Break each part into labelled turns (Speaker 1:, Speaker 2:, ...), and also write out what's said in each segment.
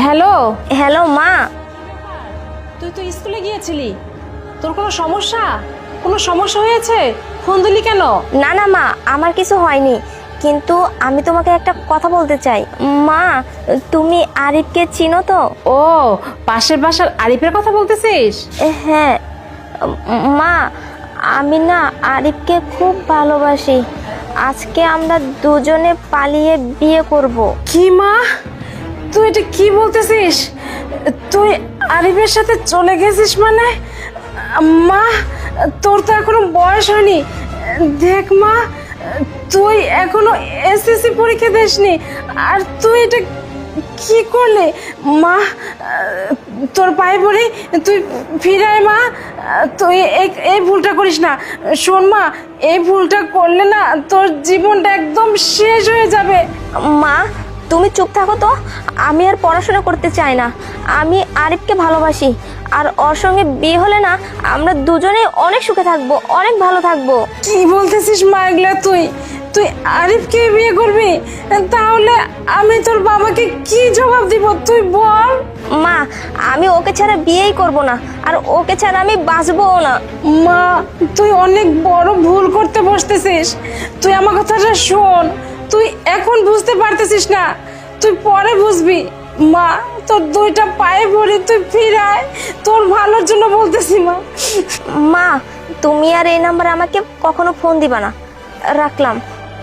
Speaker 1: Hello.
Speaker 2: Hello মা।
Speaker 1: তুই তো স্কুলে গিয়েছিলি, তোর কোনো সমস্যা হয়েছে? ফোন দিলি কেন?
Speaker 2: না না মা, আমার কিছু হয়নি, কিন্তু আমি তোমাকে একটা কথা বলতে চাই। মা, তুমি আরিফকে চিনো তো?
Speaker 1: ও, পাশের বাসার আরিফের কথা বলতেছিস?
Speaker 2: হ্যাঁ মা, আমি না আরিফকে খুব ভালোবাসি। আজকে আমরা দুজনে পালিয়ে বিয়ে করব।
Speaker 1: কি মা, তুই এটা কি বলতেছিস? তুই আরিফের সাথে চলে গেছিস মানে? মা, তোর তো এখনো বয়স হয়নি। দেখ মা, তুই এখনো এসএসসি পরীক্ষা দিসনি, আর তুই এটা কি করলে? মা, তোর পায়ে পড়ি, তুই ফিরে আয় মা। তুই এই ভুলটা করিস না। শোন মা, এই ভুলটা করলে না তোর জীবনটা একদম শেষ হয়ে যাবে।
Speaker 2: মা, তুমি চুপ থাকো তো। আমি আর পড়াশোনা করতে চাই না। আমি আরিফকে ভালোবাসি, আর ওর সঙ্গে বিয়ে হলে না আমরা দুজনেই অনেক সুখে থাকবো, অনেক ভালো থাকবো।
Speaker 1: কি বলতেছিস মা এগুলা? তুই আরিফকে বিয়ে করবি? তাহলে আমি তোর বাবাকে কি জবাব দিব তুই বল?
Speaker 2: মা, আমি ওকে ছাড়া বিয়েই করব না, আর ওকে ছাড়া আমি বাঁচবও না।
Speaker 1: মা, তুই অনেক বড় ভুল করতে বসতেছিস। তুই আমার কথাটা শোন। তুই এখন বুঝতে পারতেছিস না, তুই পরে বুঝবি। মা, তোর দুইটা পায়ে পড়ি, তুই ফিরায়, তোর ভালোর জন্য বলতেছি মা।
Speaker 2: মা, তুমি আর এই নাম্বারে আমাকে কখনো ফোন দিবা না। রাখলাম।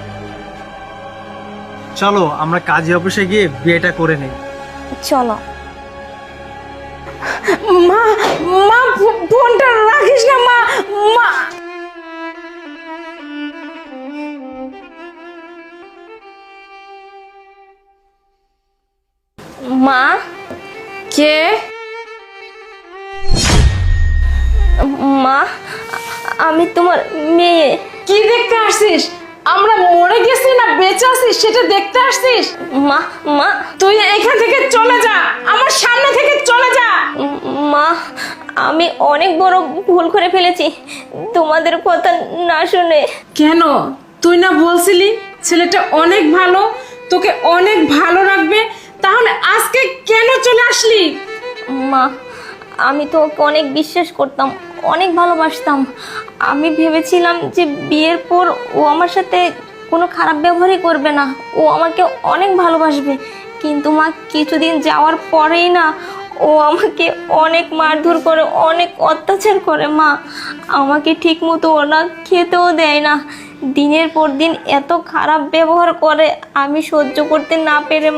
Speaker 3: চলো আমরা কাজী অফিসে গিয়ে বিয়েটা করে নেই।
Speaker 2: চলো।
Speaker 1: মা, মা, ফোনটা রাখিস না মা। মা,
Speaker 2: মা।
Speaker 1: কে?
Speaker 2: মা, আমি তোমার মেয়ে।
Speaker 1: কি দেখতে আসছিস? আমরা মরে গেছি না বেঁচে আছিস সেটা দেখতে আসছিস?
Speaker 2: মা, মা,
Speaker 1: তুই এখান থেকে চলে যা, আমার সামনে থেকে চলে যা।
Speaker 2: মা, আমি অনেক বড় ভুল করে ফেলেছি তোমাদের কথা না শুনে।
Speaker 1: কেন? তুই না বলছিলি ছেলেটা অনেক ভালো, তোকে অনেক ভালো রাখবে, তাহলে আজকে কেন চলে আসলি?
Speaker 2: মা, আমি তো ওকে অনেক বিশ্বাস করতাম, অনেক ভালোবাসতাম। আমি ভেবেছিলাম যে বিয়ের পর ও আমার সাথে কোনো খারাপ ব্যবহারই করবে না, ও আমাকে অনেক ভালোবাসবে। কিন্তু মা, কিছুদিন যাওয়ার পরেই না ও আমাকে অনেক মারধর করে, অনেক অত্যাচার করে। মা, আমাকে ঠিক মতো ওরা খেতেও দেয় না, দিনের পর দিন এত খারাপ ব্যবহার করে। আমি সহ্য করতে না পেরে